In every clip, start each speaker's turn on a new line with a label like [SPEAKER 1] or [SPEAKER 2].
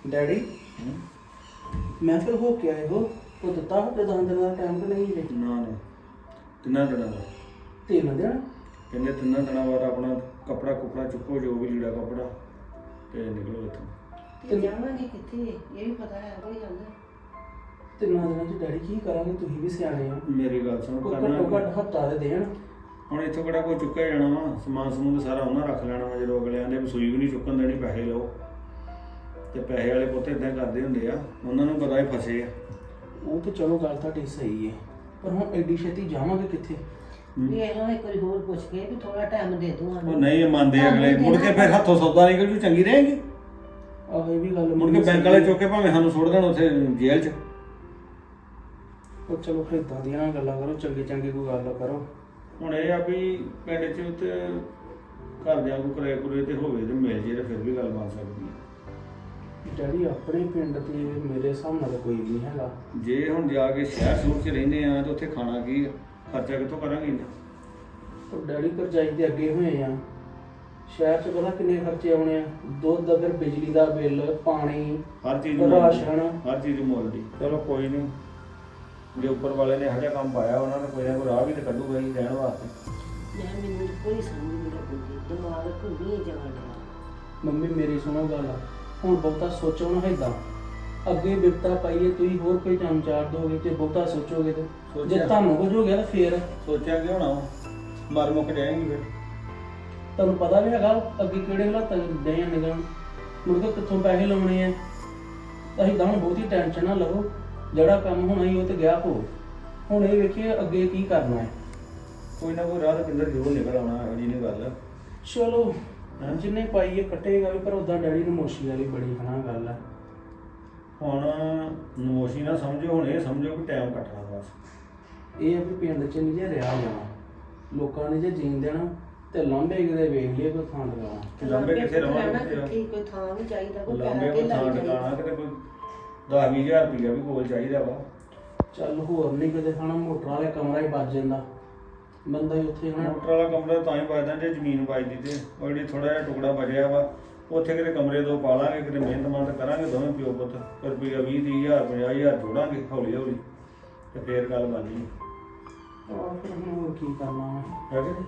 [SPEAKER 1] Daddy ਮੈਂ ਫਿਰ ਹੋ ਕੇ ਆਏ ਹੋ ਉਹ ਦਿੱਤਾ ਹਫਤੇ 10 ਦਿਨਾਂ ਦਾ ਟਾਈਮ ਕਿ ਨਹੀਂ ਜੇ
[SPEAKER 2] ਨਾ ਨਾ ਤਿੰਨਾਂ ਦਿਨਾਂ ਦਾ
[SPEAKER 1] 3 ਦਿਨ
[SPEAKER 2] ਕਹਿੰਦੇ ਤਿੰਨਾਂ ਦਿਨਾਂ ਬਾਅਦ ਆਪਣਾ ਕੱਪੜਾ ਕੁਪੜਾ ਚੁੱਕੋ ਜੋ ਵੀ ਲੀੜਾ ਕੱਪੜਾ ਤੇ ਨਿਕਲੋ ਇੱਥੋਂ।
[SPEAKER 3] ਤੇ ਜਾਵਾਂਗੇ ਕਿੱਥੇ ਇਹ ਵੀ ਪਤਾ ਹੈ ਕੋਈ ਗੱਲ
[SPEAKER 1] 3 ਦਿਨਾਂ ਚ ਡੈਡੀ ਕੀ ਕਰਾਂਗੇ ਤੁਸੀਂ ਵੀ ਸਿਆਣੇ ਹੋ
[SPEAKER 2] ਮੇਰੀ ਗੱਲ ਸੁਣ
[SPEAKER 1] ਕੋਈ
[SPEAKER 2] ਕਰਨਾ
[SPEAKER 1] ਘੱਟੋ ਘੱਟ ਹਫਤਾ ਦੇ ਦੇਣ
[SPEAKER 2] ਹੁਣ ਇੱਥੋਂ ਕਿਹੜਾ ਕੋਈ ਚੁੱਕਿਆ ਜਾਣਾ ਵਾ ਸਮਾਨ ਸਮੂਨ ਤਾਂ ਸਾਰਾ ਉਹਨਾਂ ਰੱਖ ਲੈਣਾ ਵਾ ਜਦੋਂ ਅਗਲਿਆਂ ਦੇ ਸੂਈ ਵੀ ਨਹੀਂ ਚੁੱਕਣ ਦੇਣੀ ਪੈਸੇ ਲਓ ਤੇ ਪੈਸੇ ਵਾਲੇ ਪੁੱਤ ਇਦਾਂ ਕਰਦੇ ਹੁੰਦੇ ਆ ਉਹਨਾਂ ਨੂੰ ਪਤਾ ਹੀ ਫਸੇ ਆ।
[SPEAKER 1] ਉਹ ਤੇ ਚਲੋ ਗੱਲ ਤੁਹਾਡੀ ਸਹੀ ਹੈ ਪਰ ਹੁਣ ਐਡੀ ਛੇਤੀ ਜਾਵਾਂਗੇ ਕਿੱਥੇ
[SPEAKER 3] ਵੀ ਇਹਨਾਂ ਇੱਕ ਵਾਰੀ ਹੋਰ ਪੁੱਛ ਕੇ ਵੀ ਥੋੜਾ ਟਾਈਮ ਦੇ ਦੂੰ
[SPEAKER 2] ਉਹ ਨਹੀਂ ਮੰਨਦੇ ਅਗਲੇ ਮੁੜ ਕੇ ਫਿਰ ਹੱਥੋਂ ਸੌਦਾ ਨਿਕਲ ਜੂ ਚੰਗੀ ਰਹੇਗੀ
[SPEAKER 1] ਆਹੋ ਇਹ ਵੀ ਗੱਲ
[SPEAKER 2] ਮੁੜ ਕੇ ਬੈਂਕ ਵਾਲੇ ਚੁੱਕ ਕੇ ਭਾਵੇਂ ਸਾਨੂੰ ਸੁੱਟ ਦੇਣ ਉੱਥੇ ਜੇਲ੍ਹ 'ਚ।
[SPEAKER 1] ਉਹ ਚਲੋ ਫਿਰ ਇਦਾਂ ਦੀਆਂ ਨਾ ਗੱਲਾਂ ਕਰੋ ਚੰਗੀ ਚੰਗੀ ਕੋਈ ਗੱਲ ਕਰੋ।
[SPEAKER 2] ਹੁਣ ਇਹ ਆ ਵੀ ਪਿੰਡ 'ਚ ਉੱਤੇ ਘਰਦਿਆਂ ਨੂੰ ਕਿਰਾਏ ਕੁਰੇ ਤੇ ਹੋਵੇ ਤੇ ਮਿਲ ਜੇ ਤੇ ਫਿਰ ਵੀ ਗੱਲ ਬਣ ਸਕਦੀ ਹੈ।
[SPEAKER 1] ਡੈਡੀ ਆਪਣੇ ਪਿੰਡ ਤੇ ਮੇਰੇ ਹਿਸਾਬ ਨਾਲ ਤਾਂ ਕੋਈ ਵੀ ਨਹੀਂ ਹੈਗਾ।
[SPEAKER 2] ਜੇ ਹੁਣ ਜਾ ਕੇ ਸ਼ਹਿਰ ਸ਼ੂਰ 'ਚ ਰਹਿੰਦੇ ਆ ਤਾਂ ਉੱਥੇ ਖਾਣਾ ਕੀ ਆ ਖਰਚਾ ਕਿੱਥੋਂ ਕਰਾਂਗੇ ਇੰਨਾ।
[SPEAKER 1] ਉਹ ਡੈਡੀ ਕਰਜਾਈ ਦੇ ਅੱਗੇ ਹੋਏ ਆ ਸ਼ਹਿਰ 'ਚ ਪਤਾ ਕਿੰਨੇ ਖਰਚੇ ਆਉਣੇ ਆ ਦੁੱਧ ਦਾ ਫਿਰ ਬਿਜਲੀ ਦਾ ਬਿੱਲ ਪਾਣੀ
[SPEAKER 2] ਹਰ ਚੀਜ਼
[SPEAKER 1] ਰਾਸ਼ਨ
[SPEAKER 2] ਹਰ ਚੀਜ਼ ਮੁੱਲ ਦੀ। ਚਲੋ ਕੋਈ ਨਹੀਂ ਜੇ ਉੱਪਰ ਵਾਲੇ ਨੇ ਇਹੋ ਜਿਹਾ ਕੰਮ ਪਾਇਆ ਉਹਨਾਂ ਨੇ ਕੋਈ ਨਾ ਕੋਈ ਰਾਹ ਵੀ ਤਾਂ ਕੱਢੂਗਾ ਹੀ ਰਹਿਣ ਵਾਸਤੇ।
[SPEAKER 3] ਮੈਂ ਮੈਨੂੰ ਕੋਈ ਸਮਝ ਨਹੀਂ ਲੱਗਦੀ ਦਿਮਾਗ ਘੁੰਮੀ ਜਾਣ ਡਿਆ।
[SPEAKER 1] ਮੰਮੀ ਮੇਰੀ ਸੁਣੋ ਗੱਲ ਹੁਣ ਬਹੁਤਾ ਸੋਚੋ ਨਾ ਏਦਾਂ ਅੱਗੇ ਬਿਪਤਾ ਪਾਈਏ ਤੁਸੀਂ ਹੋਰ ਕੋਈ ਕੰਮ ਚਾਰ ਦੋਗੇ ਤੇ ਬਹੁਤਾ ਸੋਚੋਗੇ ਤੇ ਜੇ ਤੁਹਾਨੂੰ ਕੁਝ ਹੋ ਗਿਆ ਤਾਂ ਫੇਰ
[SPEAKER 2] ਸੋਚਿਆ ਕਿ ਹੋਣਾ ਵਾ, ਮਰ ਮੁੱਕ ਜਾਏਗੀ ਫਿਰ।
[SPEAKER 1] ਤੁਹਾਨੂੰ ਪਤਾ ਵੀ ਹੈਗਾ ਅੱਗੇ ਕਿਹੜੇ ਹਾਲਾਤਾਂ 'ਚ ਦੇ ਨਿਕਲਣ ਮੁੜ ਕੇ ਕਿੱਥੋਂ ਪੈਸੇ ਲਾਉਣੇ ਆ ਅਸੀਂ ਤਾਂ ਹੁਣ ਬਹੁਤੀ ਟੈਨਸ਼ਨ ਨਾ ਲਵੋ ਜਿਹੜਾ ਕੰਮ ਹੋਣਾ ਹੀ ਉਹ ਤੇ ਗਿਆ ਹੋ ਹੁਣ ਇਹ ਵੇਖੀਏ ਅੱਗੇ ਕੀ ਕਰਨਾ ਹੈ।
[SPEAKER 2] ਕੋਈ ਨਾ ਕੋਈ ਰਾਹ ਤਾਂ ਪਿੰਦਰ ਜ਼ਰੂਰ ਨਿਕਲ ਆਉਣਾ ਇਹੋ ਜਿਹੀ ਨਹੀਂ ਗੱਲ।
[SPEAKER 1] ਚਲੋ ਜਿੰਨੇ ਪਾਈਏ ਕੱਟੇਗਾ ਵੀ ਪਰ ਉਦਾਂ ਡੈਡੀ ਨੂੰ ਮੋਸ਼ੀ ਵਾਲੀ ਬੜੀ ਹਨਾ ਗੱਲ ਹੈ।
[SPEAKER 2] ਹੁਣ ਨਮੋਸ਼ੀ ਨਾ ਸਮਝੋ ਹੁਣ ਇਹ ਸਮਝੋ ਕਿ ਟਾਈਮ ਕੱਟਣਾ ਬਸ।
[SPEAKER 1] ਇਹ ਆ ਵੀ ਪਿੰਡ 'ਚ ਨਹੀਂ ਜੇ ਰਿਹਾ ਜਾਣਾ ਲੋਕਾਂ ਨੇ ਜੇ ਜੀਣ ਦੇਣਾ ਤੇ ਲਾਂਭੇ ਕਿਤੇ ਵੇਖ ਲਈਏ ਕੋਈ ਥਾਂ ਲਗਾਉਣਾ।
[SPEAKER 2] ਲਾਂਬੇ ਕਿੱਥੇ ਰਵਾਂਗੇ
[SPEAKER 3] ਕਿੱਥੇ ਕੋਈ ਥਾਂ ਵੀ ਚਾਹੀਦਾ ਕੋਈ
[SPEAKER 2] ਲਾਂਬੇ
[SPEAKER 3] ਪੈਸਾ
[SPEAKER 2] ਕੋਈ ਥਾਂ
[SPEAKER 3] ਧੇਲਾ ਵੀ
[SPEAKER 2] ਟਿਕਾਣਾ ਕਿਤੇ ਕੋਈ 10-20 ਹਜ਼ਾਰ ਰੁਪਈਆ ਵੀ ਕੋਲ ਚਾਹੀਦਾ ਵਾ।
[SPEAKER 1] ਚੱਲ ਹੋਰ ਨਹੀਂ ਕਿਤੇ ਖਾਣਾ ਮੋਟਰ ਵਾਲੇ ਕਮਰਾ ਹੀ ਵੱਜ ਜਾਂਦਾ ਬੰਦਾ ਹੀ ਉੱਥੇ ਹਨਾ
[SPEAKER 2] ਮੋਟਰ ਵਾਲਾ ਕਮਰਾ ਤਾਂ ਹੀ ਵੱਜਦਾ ਜੇ ਜ਼ਮੀਨ ਵੱਜਦੀ ਤੇ ਉਹ ਜਿਹੜੀ ਥੋੜਾ ਜਿਹਾ ਟੁਕੜਾ ਬਚਿਆ ਵਾ ਉੱਥੇ ਕਿਤੇ ਕਮਰੇ ਦੋ ਪਾ ਲਾਂਗੇ ਕਿਤੇ ਮਿਹਨਤ ਕਰਾਂਗੇ ਦੋਵੇਂ ਪਿਓ ਪੁੱਤ ਰੁਪਈਆ 20-30 ਹਜ਼ਾਰ 50 ਹਜ਼ਾਰ ਜੋੜਾਂਗੇ ਹੌਲੀ ਹੌਲੀ ਤੇ ਫੇਰ ਗੱਲ ਬਣਨੀ
[SPEAKER 1] ਆਹ ਫਿਰ ਹੁਣ ਹੋਰ ਕੀ ਕਰਨਾ ਵਾ।
[SPEAKER 2] ਹੈ ਕਿ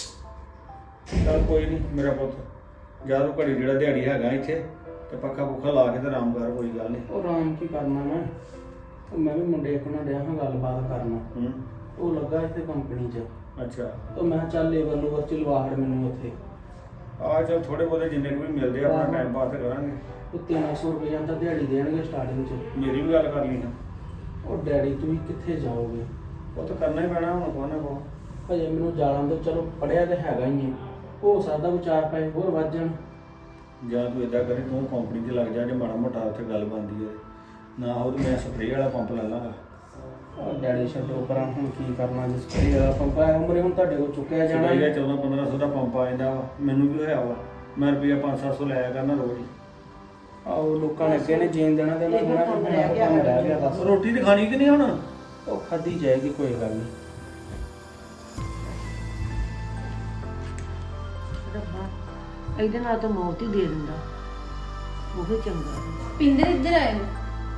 [SPEAKER 2] ਨਹੀਂ। ਚੱਲ ਕੋਈ ਨਹੀਂ ਮੇਰਾ ਪੁੱਤ ਜਦੋਂ ਘੜੀ ਜਿਹੜਾ ਦਿਹਾੜੀ ਹੈਗਾ ਇੱਥੇ ਤੇ ਪੱਖਾ ਪੁੱਖਾ ਲਾ ਕੇ ਤੇ ਆਰਾਮ ਕਰ ਕੋਈ ਗੱਲ ਨਹੀਂ।
[SPEAKER 1] ਉਹ ਆਰਾਮ ਕੀ ਕਰਨਾ ਮੈਂ ਵੀ ਮੁੰਡੇ ਆਪਣਾ ਡਿਆ ਹਾਂ ਗੱਲਬਾਤ ਕਰਨਾ ਉਹ ਲੱਗਾ ਇੱਥੇ ਕੰਪਨੀ 'ਚ
[SPEAKER 2] ਅੱਛਾ
[SPEAKER 1] ਤਾਂ ਮੈਂ ਕਿਹਾ ਚੱਲ ਲੇਬਰ ਲੂਬਰ ਚ ਲਵਾ ਹੜ ਮੈਨੂੰ ਉੱਥੇ
[SPEAKER 2] ਆ ਚੱਲ ਥੋੜੇ ਬਹੁਤੇ ਜਿੰਨੇ ਕੁ ਵੀ ਮਿਲਦੇ ਆ ਆਪਣਾ ਟਾਈਮ ਪਾਸ ਕਰਾਂਗੇ।
[SPEAKER 1] ਉਹ 300 ਰੁਪਏ ਤਾਂ ਦਿਹਾੜੀ ਦੇਣਗੇ ਸਟਾਰਟਿੰਗ 'ਚ।
[SPEAKER 2] ਮੇਰੀ ਵੀ ਗੱਲ ਕਰ ਲਈ ਨਾ
[SPEAKER 1] ਉਹ ਡੈਡੀ ਤੁਸੀਂ ਕਿੱਥੇ ਜਾਓਗੇ
[SPEAKER 2] ਉਹ ਤਾਂ ਕਰਨਾ ਹੀ ਪੈਣਾ ਹੁਣ ਕੋ ਨਾ ਕੋ।
[SPEAKER 1] ਹਜੇ ਮੈਨੂੰ ਜਾਲਾਂ ਤੋਂ ਚਲੋ ਪੜਿਆ ਤੇ ਹੈਗਾ ਹੀ ਹੈ ਹੋ ਸਕਦਾ ਵਿਚਾਰ ਪਏ ਹੋਰ ਵੱਧ ਜਾਣ।
[SPEAKER 2] ਜਾਂ ਤੂੰ ਇਦਾਂ ਕਰੇ ਤੂੰ ਕੰਪਨੀ 'ਚ ਲੱਗ ਜਾ ਜੇ ਮਾੜਾ ਮੋਟਾ ਉੱਥੇ ਗੱਲ ਬਣਦੀ ਹੈ ਨਾ ਹੋ ਤੇ ਮੈਂ ਸਪਰੇਅ ਵਾਲਾ ਪੰਪ ਲੈ ਲਾਂਗਾ।
[SPEAKER 1] ਉਹ ਡੈਡੀ ਛੱਡੋ ਪਰਾਂ ਹੁਣ ਕੀ ਕਰਨਾ ਜਿਸ ਕਰੀ ਵਾਲਾ ਪੰਪ ਆ ਉਮਰੇ ਹੁਣ ਤੁਹਾਡੇ ਕੋਲ ਚੁੱਕਿਆ ਜਾਣਾ
[SPEAKER 2] ਜਿਹੜਾ 14-1500 ਦਾ ਪੰਪ ਆ ਜਾਂਦਾ ਵਾ ਮੈਨੂੰ ਵੀ ਹੋਇਆ ਵਾ ਮੈਂ ਰੁਪਈਆ 500-700 ਲਾਇਆ ਕਰਨਾ ਰੋਜ਼ ਹੀ।
[SPEAKER 1] ਆਹੋ ਲੋਕਾਂ ਨੇ ਅੱਗੇ ਨੇ ਜੀਣ ਦੇਣਾ ਤੇ ਉਹਨਾਂ ਨੇ ਕਹਿਣਾ ਕਿ ਹੁਣ ਕੰਮ ਰਹਿ ਗਿਆ ਬਸ
[SPEAKER 2] ਰੋਟੀ ਤੇ ਖਾਣੀ ਕਿ ਨਹੀਂ ਹੁਣ।
[SPEAKER 1] ਉਹ ਖਾਧੀ ਜਾਏਗੀ ਕੋਈ ਗੱਲ ਨਹੀਂ।
[SPEAKER 3] ਰੱਬਾ ਇਹਦੇ ਨਾਲ ਤਾਂ ਮੌਤ ਹੀ ਦੇ ਦਿੰਦਾ ਉਹ ਹੀ ਚੰਗਾ।
[SPEAKER 4] ਪਿੰਦਰ ਇੱਧਰ ਆਏ ਨੇ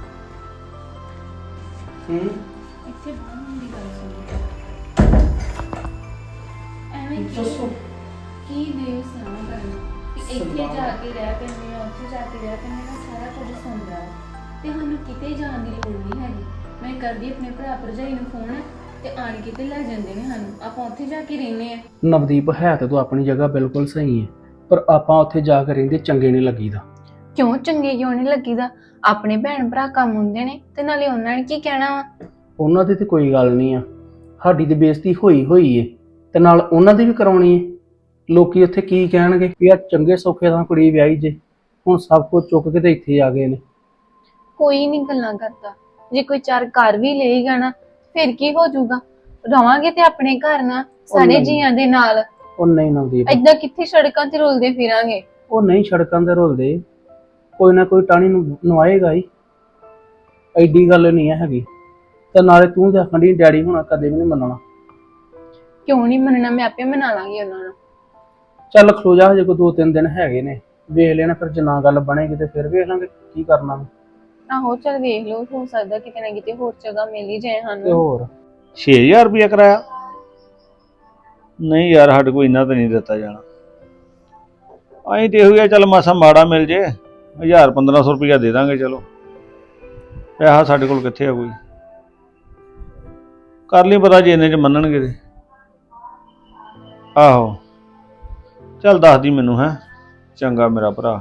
[SPEAKER 1] ਇੱਥੇ
[SPEAKER 4] ਬਾਹਰ ਦੀ ਗੱਲ ਸੁਣੋ ਐਵੇਂ
[SPEAKER 1] ਦੱਸੋ
[SPEAKER 4] ਕੀ ਦੇਵ ਸੁਣਾ ਕਰਨ ਕਿ ਇੱਥੇ ਜਾ ਕੇ ਰਹਿ ਪੈਂਦੇ ਆ ਉੱਥੇ ਜਾ ਕੇ ਰਹਿ ਪੈਂਦੇ ਆ ਸਾਰਾ ਕੁਝ ਸੁਣਦਾ ਤੇ ਸਾਨੂੰ ਕਿਤੇ ਜਾਣ ਦੀ ਲੋੜ ਨਹੀਂ ਹੈਗੀ। ਮੈਂ ਕਰਦੀ ਆਪਣੇ ਭਰਾ ਭਰਜਾਈ ਨੂੰ ਫੋਨ ਤੇ ਆਣ ਕੇ ਤੇ ਲੈ ਜਾਂਦੇ ਨੇ ਸਾਨੂੰ ਆਪਾਂ ਉੱਥੇ ਜਾ ਕੇ ਰਹਿੰਦੇ ਆ।
[SPEAKER 1] ਨਵਦੀਪ ਹੈ ਤੇ ਤੂੰ ਆਪਣੀ ਜਗ੍ਹਾ ਬਿਲਕੁਲ ਸਹੀ ਹੈ ਪਰ ਆਪਾਂ ਉੱਥੇ ਜਾ ਕੇ ਰਹਿੰਦੇ ਚੰਗੇ ਨਹੀਂ ਲੱਗੀਦਾ।
[SPEAKER 4] ਕਿਉਂ ਚੰਗੇ ਕਿਉਂ ਨਹੀਂ ਲੱਗੀਦਾ ਆਪਣੇ ਭੈਣ ਭਰਾ ਕੰਮ ਹੁੰਦੇ ਨੇ ਤੇ ਨਾਲੇ ਉਹਨਾਂ ਨੇ ਕੀ ਕਹਿਣਾ ਵਾ।
[SPEAKER 1] ਉਹਨਾਂ ਦੀ ਤੇ ਕੋਈ ਗੱਲ ਨਹੀਂ ਆ ਸਾਡੀ ਤੇ ਬੇਇੱਜ਼ਤੀ ਹੋਈ ਏ ਤੇ ਨਾਲ ਉਹਨਾਂ ਦੀ ਵੀ ਕਰਾਉਣੀ ਏ। ਲੋਕੀ ਉੱਥੇ ਕੀ ਕਹਿਣਗੇ ਵੀ ਆ ਚੰਗੇ ਸੌਖੇ ਤਾਂ ਕੁੜੀ ਵਿਆਹੀ ਜੇ ਹੁਣ ਸਭ ਕੁਝ ਚੁੱਕ ਕੇ ਤੇ ਇੱਥੇ ਆ ਗਏ ਨੇ।
[SPEAKER 4] ਕੋਈ ਨਹੀਂ ਗੱਲਾਂ ਕਰਦਾ ਜੇ ਕੋਈ ਚਾਰ ਘਰ ਵੀ ਲਏਗਾ ਨਾ ਫਿਰ ਕੀ ਹੋ ਜਾਊਗਾ ਰਵਾਂਗੇ ਤੇ ਆਪਣੇ ਘਰ ਨਾਲ ਸਾਰੇ ਜੀਆਂ ਦੇ ਨਾਲ।
[SPEAKER 1] ਉਹ ਨਹੀਂ ਨਵਦੀਪ
[SPEAKER 4] ਏਦਾਂ ਕਿੱਥੇ ਸੜਕਾਂ ਤੇ ਰੁਲਦੇ ਫਿਰਾਂਗੇ।
[SPEAKER 1] ਉਹ ਨਹੀਂ ਸੜਕਾਂ ਤੇ ਰੁਲਦੇ ਕੋਈ ਨਾ ਕੋਈ ਟਾਣੀ ਨੂੰ ਨਵਾਏਗਾ ਹੀ ਐਡੀ ਗੱਲ ਨਹੀਂ ਹੈਗੀ। ਤੇ ਨਾਲੇ ਤੂੰ ਤੇ ਆਖਣ ਡਈ ਡੈਡੀ ਹੁਣਾ ਕਦੇ ਵੀ ਨਹੀਂ ਮੰਨਣਾ।
[SPEAKER 4] ਕਿਉਂ ਨਹੀਂ ਮੰਨਣਾ ਮੈਂ ਆਪੇ ਮਨਾ ਲਾਂਗੀ ਉਹਨਾਂ ਨੂੰ।
[SPEAKER 1] ਚੱਲ ਖਲੋ ਜਾ ਹਜੇ ਕੋਈ 2-3 ਦਿਨ ਹੈਗੇ ਨੇ ਵੇਖ ਲੈਣਾ, ਫਿਰ ਜੇ ਨਾ ਗੱਲ ਬਣੇਗੀ ਤੇ ਫਿਰ ਵੇਖ ਲਾਂਗੇ ਕੀ ਕਰਨਾ ਵਾ।
[SPEAKER 4] ਆਹੋ ਚੱਲ ਵੇਖ ਲਓ, ਹੋ ਸਕਦਾ ਕਿਤੇ ਨਾ ਕਿਤੇ ਹੋਰ ਜਗ੍ਹਾ ਮਿਲ ਹੀ ਜਾਏ
[SPEAKER 1] ਤੇ
[SPEAKER 4] ਸਾਨੂੰ।
[SPEAKER 1] ਹੋਰ
[SPEAKER 2] 6000 ਰੁਪਇਆ ਕਰਾਇਆ? ਨਹੀਂ ਯਾਰ, ਸਾਡੇ ਕੋਲ ਇੰਨਾ ਤਾਂ ਨਹੀਂ ਦਿੱਤਾ ਜਾਣਾ। ਅਸੀਂ ਤੇ ਇਹੋ ਹੀ ਆ, ਚੱਲ ਮਾਸਾ ਮਾੜਾ ਮਿਲ ਜੇ 1000-1500 ਰੁਪਇਆ ਦੇ ਦਾਂਗੇ। ਚਲੋ ਪੈਸਾ ਸਾਡੇ ਕੋਲ ਕਿੱਥੇ ਆ ਕੋਈ। ਕਰ ਲਈ ਪਤਾ ਜੇ ਇੰਨੇ ਚ ਮੰਨਣਗੇ ਤੇ। ਆਹੋ ਚੱਲ ਦੱਸ ਦੀ ਮੈਨੂੰ। ਹੈ ਚੰਗਾ ਮੇਰਾ ਭਰਾ।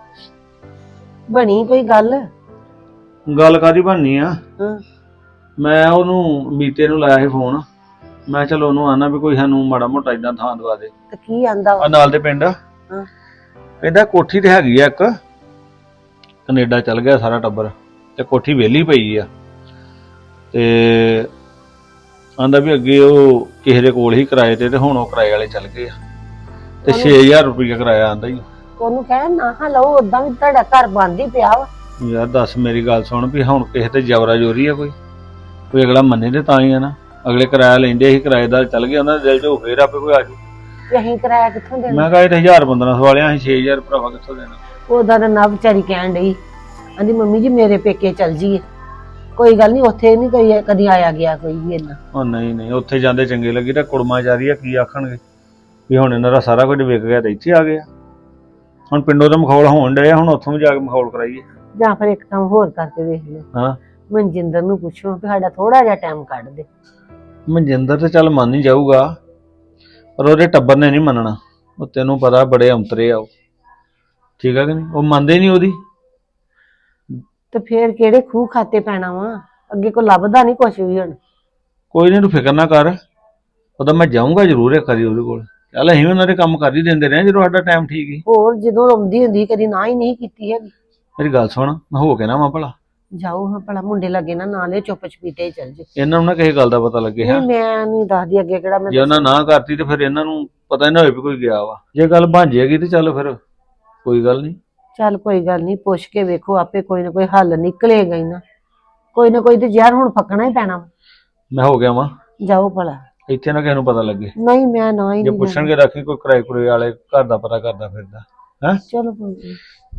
[SPEAKER 3] ਬਣੀ ਕੋਈ ਗੱਲ?
[SPEAKER 2] ਗੱਲ ਕਾਦੀ ਬਣਨੀ ਆ?
[SPEAKER 3] ਹਾਂ।
[SPEAKER 2] ਮੈਂ ਉਹਨੂੰ ਮੀਤੇ ਨੂੰ ਲਾਇਆ ਸੀ ਫੋਨ। ਮੈਂ ਚਲੋ ਉਹਨੂੰ ਆਣਾ ਵੀ ਕੋਈ ਸਾਨੂੰ ਮਾੜਾ ਮੋਟਾ ਇਦਾਂ ਥਾਂ ਦਵਾ ਦੇ।
[SPEAKER 3] ਤੇ ਕੀ ਆਂਦਾ ਵਾ?
[SPEAKER 2] ਆ ਨਾਲ ਦੇ ਪਿੰਡ
[SPEAKER 3] ਹਾਂ।
[SPEAKER 2] ਕਹਿੰਦਾ ਕੋਠੀ ਤੇ ਹੈਗੀ ਆ ਇੱਕ, ਕੈਨੇਡਾ ਚੱਲ ਗਿਆ ਸਾਰਾ ਟੱਬਰ, ਤੇ ਕੋਠੀ ਵਿਹਲੀ ਪਈ ਆ। ਤੇ ਆਂਦਾ ਵੀ ਅੱਗੇ ਉਹ ਕਿਸੇ ਦੇ ਕੋਲ ਹੀ ਕਿਰਾਏ ਤੇ ਹੁਣ ਉਹ ਕਿਰਾਏ ਵਾਲੇ ਚੱਲ ਗਏ ਆ, ਤੇ 6000 ਰੁਪਇਆ ਕਿਰਾਇਆ ਆਂਦਾ ਹੀ।
[SPEAKER 3] ਉਹਨੂੰ ਕਹਿ ਨਾ ਲਓ, ਉਦਾਂ ਵੀ ਤੁਹਾਡਾ ਘਰ ਬੰਦ ਹੀ ਪਿਆ ਵਾ।
[SPEAKER 2] ਯਾਰ ਦੱਸ ਮੇਰੀ ਗੱਲ ਸੁਣ, ਵੀ ਹੁਣ ਕਿਸੇ ਤੇ ਜ਼ਬਰਾ ਜ਼ੋਰੀ ਆ ਕੋਈ ਅਗਲਾ ਮੰਨੇ ਤੇ ਤਾਂ ਹੀ ਆ ਨਾ। ਅਗਲੇ ਕਿਰਾਇਆ ਲੈਂਦੇ ਸੀ, ਕਿਰਾਏਦਾਰ ਚੱਲ ਗਏ, ਉਹਨਾਂ ਦੇ ਦਿਲ 'ਚ ਫੇਰ ਆਪੇ ਕੋਈ ਆ ਜਾਊ।
[SPEAKER 3] ਤੇ ਅਸੀਂ ਕਿਰਾਇਆ ਕਿੱਥੋਂ ਦੇਣਾ?
[SPEAKER 2] ਮੈਂ ਕਿਹਾ ਇਹ 1000-1500 ਵਾਲਿਆਂ ਅਸੀਂ 6000 ਭਰਾਵਾ ਕਿੱਥੋਂ ਦੇਣਾ।
[SPEAKER 3] ਉਹਦਾ ਤਾਂ ਨਾ ਵਿਚਾਰੀ ਕਹਿਣ ਡਈ, ਆਂਦੀ ਮੰਮੀ ਜੀ ਮੇਰੇ ਪੇਕੇ ਚੱਲ ਜੀਏ। ਕੋਈ ਗੱਲ ਨਹੀਂ, ਉੱਥੇ ਨਹੀਂ ਕੋਈ ਕਦੀ ਆਇਆ ਗਿਆ ਕੋਈ ਵੀ ਇੰਨਾ।
[SPEAKER 2] ਉਹ ਨਹੀਂ ਉੱਥੇ ਜਾਂਦੇ ਚੰਗੇ ਲੱਗੀ ਤਾਂ ਕੁੜਮਾ ਜਾਰੀ ਆ, ਕੀ ਆਖਣਗੇ ਵੀ ਹੁਣ ਇਹਨਾਂ ਦਾ ਸਾਰਾ ਕੁਝ ਵਿਕ ਗਿਆ ਤੇ ਇੱਥੇ ਆ ਗਿਆ। ਹੁਣ ਪਿੰਡੋਂ ਤਾਂ ਮਖੌਲ ਹੋਣ ਡਿਆ, ਹੁਣ ਉੱਥੋਂ ਵੀ ਜਾ ਕੇ ਮਖੌਲ ਕਰਾਈਏ।
[SPEAKER 3] ਜਾਂ ਫਿਰ ਇੱਕ ਕੰਮ ਹੋਰ ਕਰਕੇ ਵੇਖ ਲਓ।
[SPEAKER 2] ਹਾਂ।
[SPEAKER 3] ਮਨਜਿੰਦਰ ਨੂੰ ਪੁੱਛੋ ਕਿ ਸਾਡਾ ਥੋੜਾ ਜਿਹਾ ਟਾਈਮ ਕੱਢ ਦੇ।
[SPEAKER 2] ਮਨਜਿੰਦਰ ਤੇ ਚੱਲ ਮੰਨ ਹੀ ਜਾਊਗਾ, ਪਰ ਉਹਦੇ ਟੱਬਰ ਨੇ ਨਹੀਂ ਮੰਨਣਾ। ਉਹ ਤੈਨੂੰ ਪਤਾ ਬੜੇ ਅੰਤਰੇ ਆ ਉਹ, ਠੀਕ ਆ ਕਿ ਨਹੀਂ? ਉਹ ਮੰਨਦੇ ਨਹੀਂ ਉਹਦੀ।
[SPEAKER 3] ਤੇ ਫੇਰ ਕਿਹੜੇ ਖੂਹ ਖਾਤੇ ਪੈਣਾ ਵਾ? ਅੱਗੇ ਕੋ ਲੱਭਦਾ ਨਹੀਂ ਕੁਛ ਵੀ ਹੁਣ।
[SPEAKER 2] ਕੋਈ ਨਹੀਂ, ਤੂੰ ਫਿਕਰ ਨਾ ਕਰ, ਉਹਦਾ ਮੈਂ ਜਾਊਂਗਾ ਜ਼ਰੂਰ ਇੱਕ ਵਾਰੀ ਉਹਦੇ ਕੋਲ। ਚੱਲ ਅਸੀਂ ਉਹਨਾਂ ਦੇ ਕੰਮ ਕਰ ਹੀ ਦਿੰਦੇ ਰਹੇ ਜਦੋਂ ਸਾਡਾ ਟਾਈਮ ਠੀਕ ਹੀ।
[SPEAKER 3] ਹੋਰ ਜਦੋਂ ਆਉਂਦੀ ਹੁੰਦੀ ਕਦੀ ਨਾ ਹੀ ਨਹੀਂ ਕੀਤੀ ਹੈਗੀ।
[SPEAKER 2] ਮੇਰੀ ਗੱਲ ਸੁਣ, ਮੈਂ ਹੋ ਕੇ ਨਾ ਭਲਾ
[SPEAKER 3] ਜਾਓ ਹਾਂ ਭਲਾ, ਮੁੰਡੇ ਲੱਗੇ ਨਾ ਨਾਲੇ ਚੁੱਪ ਚਪੀਤੇ ਹੀ ਚੱਲ ਜੇ।
[SPEAKER 2] ਇਹਨਾਂ ਨੂੰ ਨਾ ਕਿਸੇ ਗੱਲ ਦਾ ਪਤਾ ਲੱਗੇ।
[SPEAKER 3] ਨਹੀਂ ਮੈਂ ਨਹੀਂ ਦੱਸਦੀ ਅੱਗੇ ਕਿਹੜਾ ਮੈਂ
[SPEAKER 2] ਜੇ ਉਹਨਾਂ ਨਾ ਕਰਤੀ ਤੇ ਫਿਰ ਇਹਨਾਂ ਨੂੰ ਪਤਾ ਹੀ ਨਾ ਹੋਏ ਵੀ ਕੋਈ ਗਿਆ ਵਾ। ਜੇ ਗੱਲ ਬਣ ਜਾਏਗੀ ਤੇ ਚੱਲ ਫਿਰ ਕੋਈ ਗੱਲ ਨਹੀਂ।
[SPEAKER 3] ਚੱਲ ਕੋਈ ਗੱਲ ਨਹੀਂ, ਪੁੱਛ ਕੇ ਵੇਖੋ, ਆਪੇ ਕੋਈ ਨਾ ਕੋਈ ਹੱਲ ਨਿਕਲੇਗਾ ਹੀ ਨਾ ਕੋਈ ਤੇ ਜ਼ਹਿਰ ਹੁਣ ਫੱਕਣਾ ਹੀ ਪੈਣਾ।
[SPEAKER 2] ਮੈਂ ਹੋ ਗਿਆ ਵਾਂ,
[SPEAKER 3] ਜਾਓ ਭਲਾ।
[SPEAKER 2] ਇੱਥੇ ਨਾ ਕਿਸੇ ਨੂੰ ਪਤਾ ਲੱਗੇ।
[SPEAKER 3] ਨਹੀਂ ਮੈਂ ਨਾ ਹੀ
[SPEAKER 2] ਜੇ
[SPEAKER 3] ਨਹੀਂ
[SPEAKER 2] ਪੁੱਛਣਗੇ ਰੱਖੀ ਕੋਈ ਕਿਰਾਏ ਕੁਰੇ ਵਾਲੇ ਘਰ ਦਾ ਪਤਾ ਕਰਦਾ ਫਿਰਦਾ ਹੈ।
[SPEAKER 3] ਚਲੋ ਕੋਈ ਨੀ।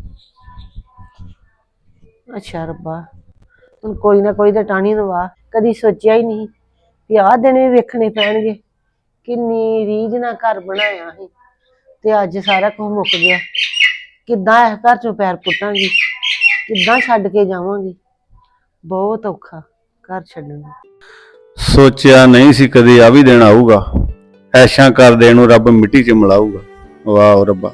[SPEAKER 3] ਅੱਛਾ ਰੱਬਾ, ਹੁਣ ਕੋਈ ਨਾ ਕੋਈ ਤਾਂ ਟਾਣੀ ਦਵਾ। ਕਦੀ ਸੋਚਿਆ ਹੀ ਨਹੀਂ ਵੀ ਆਹ ਦਿਨ ਵੀ ਵੇਖਣੇ ਪੈਣਗੇ। ਕਿੰਨੀ ਰੀਝ ਨਾਲ ਘਰ ਬਣਾਇਆ ਸੀ ਤੇ ਅੱਜ ਸਾਰਾ ਕੁਝ ਮੁੱਕ ਗਿਆ। ਕਿੱਦਾਂ ਇਸ ਘਰ ਚੋਂ ਪੈਰ ਪੁੱਟਾਂਗੀ, ਕਿੱਦਾਂ ਛੱਡ ਕੇ ਜਾਵਾਂਗੀ? ਬਹੁਤ ਔਖਾ ਘਰ ਛੱਡਣਾ।
[SPEAKER 2] ਸੋਚਿਆ ਨਹੀਂ ਸੀ ਕਦੇ ਆ ਵੀ ਦਿਨ ਆਊਗਾ, ਐਸ਼ਾਂ ਕਰਦੇ ਨੂੰ ਰੱਬ ਮਿੱਟੀ 'ਚ ਮਿਲਾਊਗਾ। ਵਾਹ ਰੱਬਾ।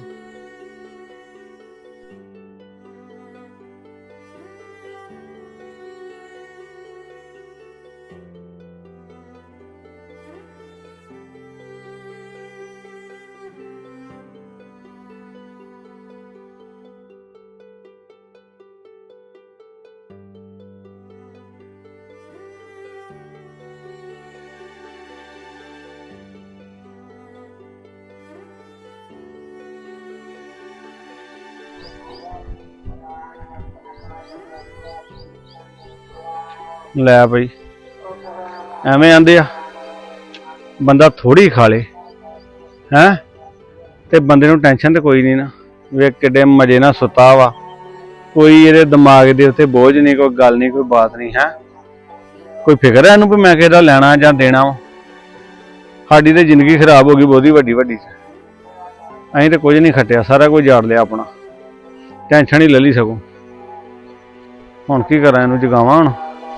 [SPEAKER 2] ਲੈ ਬਈ, ਐਵੇਂ ਆਂਦੇ ਆ ਬੰਦਾ ਥੋੜੀ ਖਾ ਲੇ ਹੈ ਤੇ ਬੰਦੇ ਨੂੰ ਟੈਨਸ਼ਨ ਤੇ ਕੋਈ ਨਹੀਂ ਨਾ। ਵੇਖ ਕਿੱਡੇ ਮਜੇ ਨਾਲ ਸੁੱਤਾ ਵਾ, ਕੋਈ ਇਹਦੇ ਦਿਮਾਗ ਦੇ ਉੱਤੇ ਬੋਝ ਨਹੀਂ, ਕੋਈ ਗੱਲ ਨਹੀਂ, ਕੋਈ ਬਾਤ ਨਹੀਂ ਹੈ। ਕੋਈ ਫਿਕਰ ਹੈ ਇਹਨੂੰ ਵੀ ਮੈਂ ਕਿਹਦਾ ਲੈਣਾ ਜਾਂ ਦੇਣਾ ਵਾ? ਸਾਡੀ ਤੇ ਜ਼ਿੰਦਗੀ ਖਰਾਬ ਹੋ ਗਈ ਬਹੁਤੀ ਵੱਡੀ ਅਸੀਂ ਤੇ ਕੁਝ ਨਹੀਂ ਖੱਟਿਆ, ਸਾਰਾ ਕੁਝ ਜਾੜ ਲਿਆ ਆਪਣਾ, ਟੈਨਸ਼ਨ ਹੀ ਲੈ ਲਈ ਸਗੋਂ। ਹੁਣ ਕੀ ਕਰਾਂ, ਇਹਨੂੰ ਜਗਾਵਾਂ ਹੁਣ?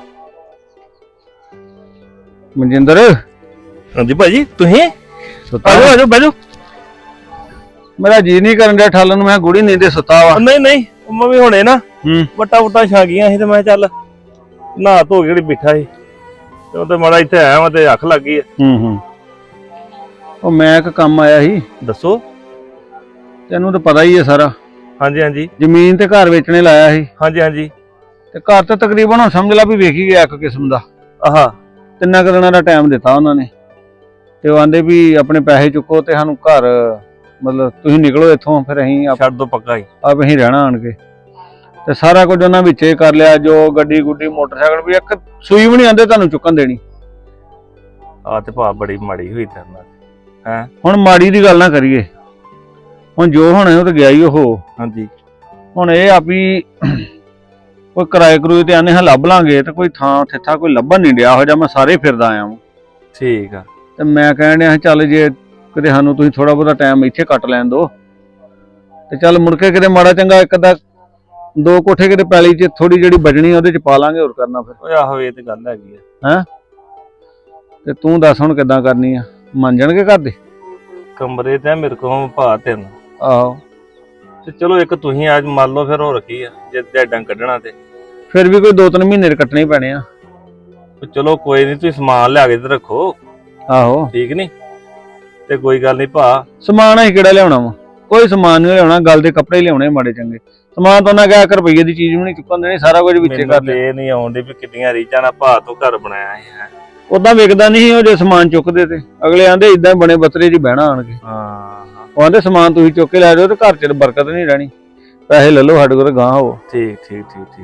[SPEAKER 2] ਮਨਜਿੰਦਰ।
[SPEAKER 5] ਹਾਂਜੀ ਭਾਜੀ, ਤੁਸੀਂ
[SPEAKER 2] ਸੁੱਤਾ?
[SPEAKER 5] ਆਜੋ ਬੈਜੋ।
[SPEAKER 2] ਮੇਰਾ ਜੀ ਨਹੀਂ ਕਰਨ ਡਿਆ ਠਾਲਣ ਨੂੰ, ਮੈਂ ਗੁੜੀ ਨੀਂਦੇ ਸੁੱਤਾ ਵਾ।
[SPEAKER 5] ਨਹੀਂ ਮੈਂ ਵੀ ਹੁਣੇ ਨਾ
[SPEAKER 2] ਹੂੰ।
[SPEAKER 5] ਵਟਾ ਛਾ ਗਈਆਂ ਸੀ ਤੇ ਮੈਂ ਚੱਲ ਨਹਾ ਧੋ ਕੇ ਜਿਹੜੀ ਬਿਠਾ ਸੀ ਤੇ ਉਹ ਤੇ ਮਾੜਾ ਇੱਥੇ ਆਇਆ ਮੈਂ ਤੇ ਅੱਖ ਲੱਗ ਗਈ ਆ।
[SPEAKER 2] ਹੂੰ। ਉਹ ਮੈਂ ਇੱਕ ਕੰਮ ਆਇਆ ਸੀ।
[SPEAKER 5] ਦੱਸੋ।
[SPEAKER 2] ਤੈਨੂੰ ਤਾਂ ਪਤਾ ਹੀ ਹੈ ਸਾਰਾ।
[SPEAKER 5] ਹਾਂਜੀ
[SPEAKER 2] ਜ਼ਮੀਨ ਤੇ ਘਰ ਵੇਚਣੇ ਲਾਇਆ ਸੀ।
[SPEAKER 5] ਹਾਂਜੀ
[SPEAKER 2] ਤੇ ਘਰ ਤਾਂ ਤਕਰੀਬਨ ਹੁਣ ਸਮਝ ਲਾ ਵੀ ਵੇਖ ਹੀ ਗਿਆ ਇੱਕ ਕਿਸਮ ਦਾ।
[SPEAKER 5] ਆਹਾ।
[SPEAKER 2] 3 ਦਿਨਾਂ ਦਾ ਟਾਈਮ ਦਿੱਤਾ ਉਹਨਾਂ ਨੇ, ਤੇ ਉਹ ਆਂਦੇ ਵੀ ਆਪਣੇ ਪੈਸੇ ਚੁੱਕੋ ਤੇ ਸਾਨੂੰ ਘਰ, ਮਤਲਬ ਤੁਸੀਂ ਨਿਕਲੋ ਇੱਥੋਂ, ਫਿਰ ਅਸੀਂ
[SPEAKER 5] ਛੱਡ ਦੋ ਪੱਕਾ ਹੀ
[SPEAKER 2] ਅਸੀਂ ਰਹਿਣਾ ਆਣ ਕੇ। ਤੇ ਸਾਰਾ ਕੁਝ ਉਹਨਾਂ ਵਿੱਚੇ ਕਰ ਲਿਆ, ਜੋ ਗੱਡੀ ਗੁੱਡੀ ਮੋਟਰਸਾਈਕਲ ਵੀ, ਇੱਕ ਸੂਈ ਵੀ ਨਹੀਂ ਆਂਦੇ ਤੁਹਾਨੂੰ ਚੁੱਕਣ ਦੇਣੀ।
[SPEAKER 5] ਆ ਤੇ ਭਾ ਬੜੀ ਮਾੜੀ ਹੋਈ ਤੇਰੇ ਨਾਲ। ਹੈ
[SPEAKER 2] ਹੁਣ ਮਾੜੀ ਦੀ ਗੱਲ ਨਾ ਕਰੀਏ, ਹੁਣ ਜੋ ਹੋਣਾ ਉਹ ਤਾਂ ਗਿਆ ਹੀ ਉਹ।
[SPEAKER 5] ਹਾਂਜੀ
[SPEAKER 2] ਹੁਣ ਇਹ ਆ ਵੀ ਕੋਈ ਕਿਰਾਏ ਕਰੂਏ ਤੇ ਆਨੇ ਹਾਂ ਲੱਭ ਲਾਂਗੇ ਤੇ ਕੋਈ ਥਾਂ ਠਿੱਠਾ ਕੋਈ ਲੱਭਣ ਨਹੀਂ ਡਿਆ ਹੋ ਜਾ। ਮੈਂ ਸਾਰੇ ਫਿਰਦਾ ਆਇਆ ਵਾਂ
[SPEAKER 5] ਠੀਕ ਆ।
[SPEAKER 2] ਤੇ ਮੈਂ ਕਹਿਣ ਡਿਆ ਚੱਲ ਜੇ ਕਿਤੇ ਸਾਨੂੰ ਤੁਸੀਂ ਥੋੜਾ ਬਹੁਤਾ ਟਾਈਮ ਇੱਥੇ ਕੱਟ ਲੈਣ ਦਿਓ ਤੇ ਚੱਲ ਮੁੜ ਕੇ ਕਿਤੇ ਮਾੜਾ ਚੰਗਾ ਇੱਕ ਅੱਧਾ 2 ਕੋਠੇ ਕਿਤੇ ਪੈਲੀ 'ਚ ਥੋੜੀ ਜਿਹੜੀ ਬਚਣੀ ਉਹਦੇ 'ਚ ਪਾ ਲਾਂਗੇ। ਹੋਰ ਕਰਨਾ ਫਿਰ।
[SPEAKER 5] ਓਏ ਆਹੋ ਇਹ ਤੇ ਗੱਲ ਹੈਗੀ ਆ।
[SPEAKER 2] ਤੇ ਤੂੰ ਦੱਸ ਹੁਣ ਕਿੱਦਾਂ ਕਰਨੀ ਆ? ਮੰਨ ਜਾਣਗੇ ਘਰ ਦੇ?
[SPEAKER 5] ਕਮਰੇ ਤੇ ਮੇਰੇ ਕੋਲ ਭਾ 3।
[SPEAKER 2] ਆਹੋ
[SPEAKER 5] ਤੇ ਚਲੋ ਇੱਕ ਤੁਸੀਂ ਅੱਜ ਮੰਨ ਲਓ ਫਿਰ ਹੋਰ ਕੀ ਆ ਜੇ ਡੈਡਾਂ ਕੱਢਣਾ ਤੇ
[SPEAKER 2] ਫਿਰ ਵੀ ਕੋਈ 2-3 ਮਹੀਨੇ ਦੇ ਕੱਟਣੇ ਹੀ ਪੈਣੇ ਆ।
[SPEAKER 5] ਚਲੋ ਕੋਈ ਨਹੀਂ ਤੁਸੀਂ ਸਮਾਨ ਲਿਆ ਕੇ ਤੇ ਰੱਖੋ।
[SPEAKER 2] ਆਹੋ
[SPEAKER 5] ਠੀਕ ਨੀ ਤੇ ਕੋਈ ਗੱਲ ਨਹੀਂ ਭਾ।
[SPEAKER 2] ਸਮਾਨ ਅਸੀਂ ਕਿਹੜਾ ਲਿਆਉਣਾ ਵਾ? ਕੋਈ ਸਮਾਨ ਨਹੀਂ ਲਿਆਉਣਾ। ਗੱਲ ਦੇ ਕੱਪੜੇ ਲਿਆਉਣੇ ਮਾੜੇ ਚੰਗੇ। ਸਮਾਨ ਤਾਂ ਉਹਨਾਂ ਕਿਹਾ 1 ਰੁਪਈਏ ਦੀ ਚੀਜ਼ ਵੀ ਨਹੀਂ ਚੁੱਕਣ ਦੇਣੀ। ਸਾਰਾ ਕੁਝ ਵਿੱਚੇ ਕਰ ਲਿਆ।
[SPEAKER 5] ਇਹ ਨਹੀਂ ਆਉਂਦੀ ਵੀ ਕਿੰਨੀਆਂ ਰੀਚਾਂ ਨਾਲ ਭਾ ਤੋਂ ਘਰ ਬਣਾਇਆ ਹੈ।
[SPEAKER 2] ਉਦਾਂ ਵਿਕਦਾ ਨਹੀਂ ਉਹ ਜੇ ਸਮਾਨ ਚੁੱਕਦੇ ਤੇ ਅਗਲੇ ਆਂਦੇ ਇਦਾਂ ਬਣੇ ਬੱਤਰੇ 'ਚ ਬਹਿਣਾ ਆਣ ਕੇ।
[SPEAKER 5] ਹਾਂ
[SPEAKER 2] ਉਹ ਆਂਦੇ ਸਮਾਨ ਤੁਸੀਂ ਚੁੱਕ ਕੇ ਲੈ ਜਾਓ ਤੇ ਘਰ 'ਚ ਬਰਕਤ ਨਹੀਂ ਰਹਿਣੀ। ਪੈਸੇ ਲੈ ਲਓ ਸਾਡੇ ਕੋਲ ਗਾਂ ਹੋ।
[SPEAKER 5] ਠੀਕ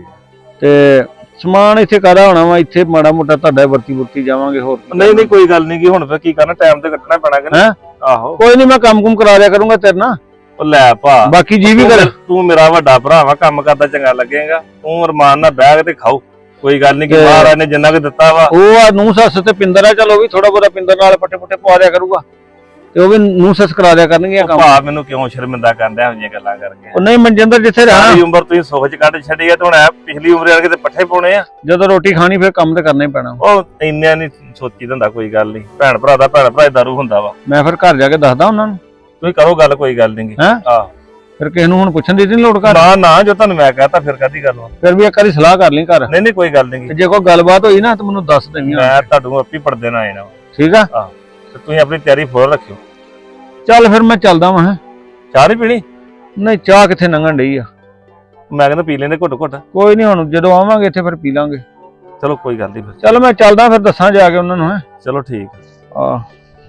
[SPEAKER 2] ਤੇ ਸਮਾਨ ਇੱਥੇ ਕਾਹਦਾ ਹੋਣਾ ਵਾ? ਇੱਥੇ ਮਾੜਾ ਮੋਟਾ ਤੁਹਾਡਾ ਵਰਤੀ ਜਾਵਾਂਗੇ। ਹੋਰ
[SPEAKER 5] ਨਹੀਂ ਕੋਈ ਗੱਲ ਨਹੀਂ ਕਿ ਹੁਣ ਫਿਰ ਕੀ ਕਰਨਾ ਟਾਈਮ ਤੇ ਕੱਟਣਾ ਪੈਣਾ ਕਿ
[SPEAKER 2] ਹੈਂ?
[SPEAKER 5] ਆਹੋ
[SPEAKER 2] ਕੋਈ ਨਹੀਂ ਮੈਂ ਕੰਮ ਕਰਾ ਦਿਆ ਕਰੂੰਗਾ ਤੇਰੇ ਨਾਲ।
[SPEAKER 5] ਉਹ ਲੈ ਭਾ
[SPEAKER 2] ਬਾਕੀ ਜੀ ਵੀ ਕਰ।
[SPEAKER 5] ਤੂੰ ਮੇਰਾ ਵੱਡਾ ਭਰਾ ਵਾ ਕੰਮ ਕਰਦਾ ਚੰਗਾ ਲੱਗੇਗਾ। ਤੂੰ ਅਰਮਾਨ ਨਾਲ ਬਹਿ ਕੇ ਤੇ ਖਾਓ। ਕੋਈ ਗੱਲ ਨਹੀਂ ਕਿ ਮਹਾਰਾਜ ਨੇ ਜਿੰਨਾ ਕੁ ਦਿੱਤਾ ਵਾ।
[SPEAKER 2] ਉਹ ਆ ਨੂੰਹ ਸੱਸ ਤੇ ਪਿੰਦਰ ਆ। ਚਲ ਉਹ ਵੀ ਥੋੜਾ ਬਹੁਤਾ ਪਿੰਦਰ ਨਾਲ ਪੱਟੇ ਪਵਾ ਦਿਆ ਕਰੂਗਾ ਤੇ ਉਹ ਵੀ ਨੂੰਹ ਸੱਸ ਕਰਾ ਦਿਆ ਕਰਨਗੇ ਕੰਮ।
[SPEAKER 5] ਭਾ ਮੈਨੂੰ ਕਿਉਂ ਸ਼ਰਮਿੰਦਾ ਕਰਦੇ ਹੋ ਜਿਹੀਆਂ ਗੱਲਾਂ ਕਰਕੇ?
[SPEAKER 2] ਉਹ ਨਹੀਂ ਮਨਜਿੰਦਰ ਜਿੱਥੇ ਰਹਿਣਾ
[SPEAKER 5] ਸਾਰੀ ਉਮਰ ਤੁਸੀਂ ਸੁੱਖ ਚ ਕੱਢ ਛੱਡੀ ਆ ਤੇ ਹੁਣ ਪਿਛਲੀ ਉਮਰ ਵਾਲੇ ਤੇ ਪੱਠੇ ਪਾਉਣੇ ਆ।
[SPEAKER 2] ਜਦੋਂ ਰੋਟੀ ਖਾਣੀ ਫਿਰ ਕੰਮ ਤੇ ਕਰਨਾ ਹੀ ਪੈਣਾ।
[SPEAKER 5] ਉਹ ਇੰਨਾ ਨਹੀਂ ਸੋਚੀ ਦਿੰਦਾ। ਕੋਈ ਗੱਲ ਨਹੀਂ ਭੈਣ ਭਰਾ ਦਾ ਭੈਣ ਭਰਾ ਦਾ ਰੂ ਹੁੰਦਾ ਵਾ।
[SPEAKER 2] ਮੈਂ ਫਿਰ ਘਰ ਜਾ ਕੇ ਦੱਸਦਾ ਉਹਨਾਂ ਨੂੰ।
[SPEAKER 5] ਤੁਸੀਂ ਕਰੋ ਗੱਲ ਕੋਈ ਗੱਲ ਨਹੀਂ।
[SPEAKER 2] ਹੈਂ?
[SPEAKER 5] ਆਹ
[SPEAKER 2] ਫਿਰ ਕਿਸੇ ਨੂੰ ਹੁਣ ਪੁੱਛਣ ਦੀ ਨਹੀਂ ਲੋੜ ਘਰ।
[SPEAKER 5] ਨਾ ਜੋ ਤੁਹਾਨੂੰ ਮੈਂ ਕਹਤਾ ਫਿਰ ਕਾਦੀ ਗੱਲ ਵਾ?
[SPEAKER 2] ਫਿਰ ਵੀ ਇੱਕ ਵਾਰੀ ਸਲਾਹ ਕਰ ਲਈ ਘਰ।
[SPEAKER 5] ਨਹੀਂ ਕੋਈ ਗੱਲ ਨਹੀਂ।
[SPEAKER 2] ਤੇ ਜੇ ਕੋਈ ਗੱਲਬਾਤ ਹੋਈ ਨਾ ਤਾਂ ਮੈਨੂੰ ਦੱਸ ਦੇਵੀਂ।
[SPEAKER 5] ਮੈਂ ਤੁਹਾਨੂੰ ਆਪੀ ਪੜਦੇ ਨਾ ਆਣਾ।
[SPEAKER 2] ਠੀਕ ਆ।
[SPEAKER 5] ਤੇ ਤੁਸੀਂ ਆਪਣੀ ਤਿਆਰੀ ਫੁੱਲ ਰੱਖਿਓ।
[SPEAKER 2] ਚੱਲ ਫਿਰ ਮੈਂ ਚੱਲਦਾ ਵਾਂ।
[SPEAKER 5] ਚਾਹ ਨਹੀਂ ਪੀਣੀ?
[SPEAKER 2] ਨਹੀਂ ਚਾਹ ਕਿੱਥੇ ਲੰਘਣ ਡਈ ਆ।
[SPEAKER 5] ਮੈਂ ਕਹਿੰਦਾ ਪੀ ਲੈਂਦੇ ਘੁੱਟ
[SPEAKER 2] ਕੋਈ ਨਹੀਂ ਹੁਣ ਜਦੋਂ ਆਵਾਂਗੇ ਇੱਥੇ ਫਿਰ ਪੀ ਲਾਂਗੇ।
[SPEAKER 5] ਚਲੋ ਕੋਈ ਗੱਲ ਨਹੀਂ ਫਿਰ।
[SPEAKER 2] ਚੱਲ ਮੈਂ ਚੱਲਦਾ ਫਿਰ ਦੱਸਾਂ ਜਾ ਕੇ ਉਹਨਾਂ ਨੂੰ।
[SPEAKER 5] ਚਲੋ ਠੀਕ
[SPEAKER 2] ਆ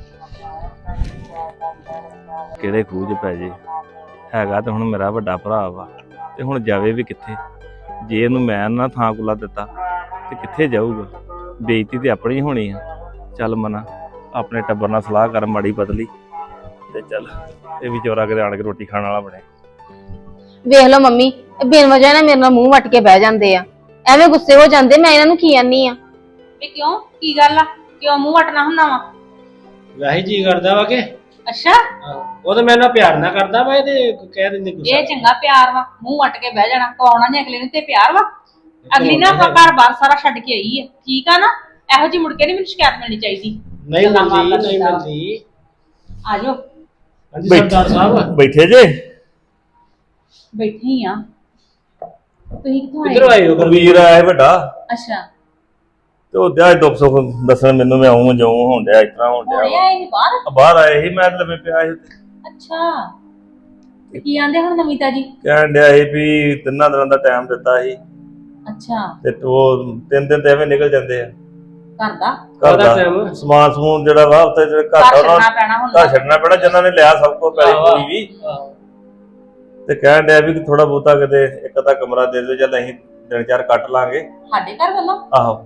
[SPEAKER 5] ਕਿਹੜੇ ਖੂਹ 'ਚ ਪੈ ਜੇ ਹੈਗਾ ਤੇ ਹੁਣ ਮੇਰਾ ਵੱਡਾ ਭਰਾ ਵਾ ਤੇ ਹੁਣ ਜਾਵੇ ਵੀ ਕਿੱਥੇ? ਜੇ ਇਹਨੂੰ ਮੈਂ ਨਾ ਥਾਂ ਕੁਲਾ ਦਿੱਤਾ ਤੇ ਕਿੱਥੇ ਜਾਊਗਾ? ਬੇਇੱਜ਼ਤੀ ਤੇ ਆਪਣੀ ਹੋਣੀ ਆ। ਚੱਲ ਮਨਾ ਆਪਣੇ ਟੱਬਰ ਨਾਲ ਸਲਾਹ ਕਰ ਮਾੜੀ ਪਤਲੀ ਤੇ ਚੱਲ ਇਹ ਵੀ ਚੋਰਾ ਕਿਤੇ ਆਣ ਕੇ ਰੋਟੀ ਖਾਣ ਵਾਲਾ ਬਣੇ।
[SPEAKER 6] ਵੇਖ ਲਓ ਮੰਮੀ ਇਹ ਬਿਨ ਵਜ੍ਹਾ ਨਾਲ ਮੇਰੇ ਨਾਲ ਮੂੰਹ ਵੱਟ ਕੇ ਬਹਿ ਜਾਂਦੇ ਆ। ਐਵੇਂ ਗੁੱਸੇ ਹੋ ਜਾਂਦੇ। ਮੈਂ ਇਹਨਾਂ ਨੂੰ ਕੀ ਆਨੀ ਆ?
[SPEAKER 7] ਵੀ ਕਿਉਂ ਕੀ ਗੱਲ ਆ? ਕਿਉਂ ਮੂੰਹ ਵਟਣਾ ਹੁੰਦਾ ਵਾ?
[SPEAKER 1] ਵੈਸੇ ਜੀ ਕਰਦਾ ਵਾ ਕਿ
[SPEAKER 7] ਅੱਛਾ
[SPEAKER 1] ਉਹ ਤਾਂ ਮੇਰੇ ਨਾਲ ਪਿਆਰ ਨਾ ਕਰਦਾ ਵਾ। ਇਹਦੇ ਕਹਿ ਦਿੰਦੇ ਗੁੱਸਾ।
[SPEAKER 7] ਇਹ ਚੰਗਾ ਪਿਆਰ ਵਾ। ਮੂੰਹ ਵਟ ਕੇ ਬਹਿ ਜਾਣਾ ਕਵਾਉਣਾ ਨੇ ਅਗਲੇ ਨੂੰ ਤੇ ਪਿਆਰ ਵਾ। ਅਗਲੀ ਨਾ ਆਪਣਾ ਘਰ ਬਾਰ ਸਾਰਾ ਛੱਡ ਕੇ ਆਈ ਹੈ। ਠੀਕ ਆ ਨਾ? ਇਹੋ ਜਿਹੀ ਮੁੜ ਕੇ ਨਹੀਂ ਮੈਨੂੰ ਸ਼ਿਕਾਇਤ ਮਿਲਣੀ ਚਾਹੀਦੀ।
[SPEAKER 1] ਨਹੀਂ ਮਿਲਦੀ।
[SPEAKER 7] ਆ ਜਾਓ
[SPEAKER 1] ਹਾਂਜੀ ਸਰਦਾਰ ਸਾਹਿਬ
[SPEAKER 5] ਬੈਠੇ ਜੇ?
[SPEAKER 7] ਬੈਠੇ ਹੀ ਆ। ਤੁਸੀਂ ਕਿੱਥੋਂ ਆਏ?
[SPEAKER 1] ਕਿੱਧਰੋਂ ਆਏ ਹੋ?
[SPEAKER 5] ਵੀਰ ਆਇਆ ਵੱਡਾ
[SPEAKER 7] ਅੱਛਾ
[SPEAKER 5] ਤੇ ਉਹ ਦਿਆ ਦੁੱਖ ਸੁੱਖ ਦੱਸਣ ਮੈਨੂੰ। ਮੈਂ ਆਉਂ ਜਾਉਂ ਹੋਣ ਡਿਆ ਇਸ ਤਰ੍ਹਾਂ ਹੋਣ
[SPEAKER 7] ਹੁਣੇ
[SPEAKER 5] ਡਿਆ
[SPEAKER 7] ਆਏ ਸੀ ਬਾਹਰ?
[SPEAKER 5] ਬਾਹਰ ਆਏ ਸੀ ਮੈਂ ਲੰਮੇ ਪਿਆ ਸੀ।
[SPEAKER 7] ਅੱਛਾ ਤੇ ਕੀ ਆਂਦੇ ਹੁਣ ਨਵੀਤਾ ਜੀ?
[SPEAKER 5] ਕਹਿਣ ਡਿਆ ਸੀ ਵੀ 3 ਦਿਨਾਂ ਦਾ ਟਾਈਮ ਦਿੱਤਾ ਸੀ
[SPEAKER 7] ਅੱਛਾ
[SPEAKER 5] ਤੇ ਉਹ 3 ਦਿਨ ਤੇ ਐਵੇਂ ਨਿਕਲ ਜਾਂਦੇ ਆ।
[SPEAKER 7] ਘਰ ਦਾ
[SPEAKER 5] ਘਰ ਦਾ ਸਮਾਨ ਸਮੂਨ ਜਿਹੜਾ ਵਾ ਉੱਥੇ ਜਿਹੜੇ ਘਰ
[SPEAKER 7] ਘਰ
[SPEAKER 5] ਦਾ
[SPEAKER 7] ਛੱਡਣਾ ਪੈਣਾ ਹੁਣ।
[SPEAKER 5] ਘਰ ਛੱਡਣਾ ਪੈਣਾ ਜਿਨ੍ਹਾਂ ਨੇ ਲਿਆ ਸਭ ਕੁਝ ਪੈਲੀ ਪੂਰੀ ਵੀ। ਤੇ ਕਹਿਣ ਡਿਆ ਵੀ ਥੋੜਾ ਬਹੁਤਾ ਕਿਤੇ ਇੱਕ ਅੱਧਾ ਕਮਰਾ ਦੇ ਦਿਓ ਚੱਲ ਅਸੀਂ 3-4 ਕੱਟ ਲਾਂਗੇ
[SPEAKER 7] ਸਾਡੇ ਘਰ ਵੱਲੋਂ?
[SPEAKER 5] ਆਹੋ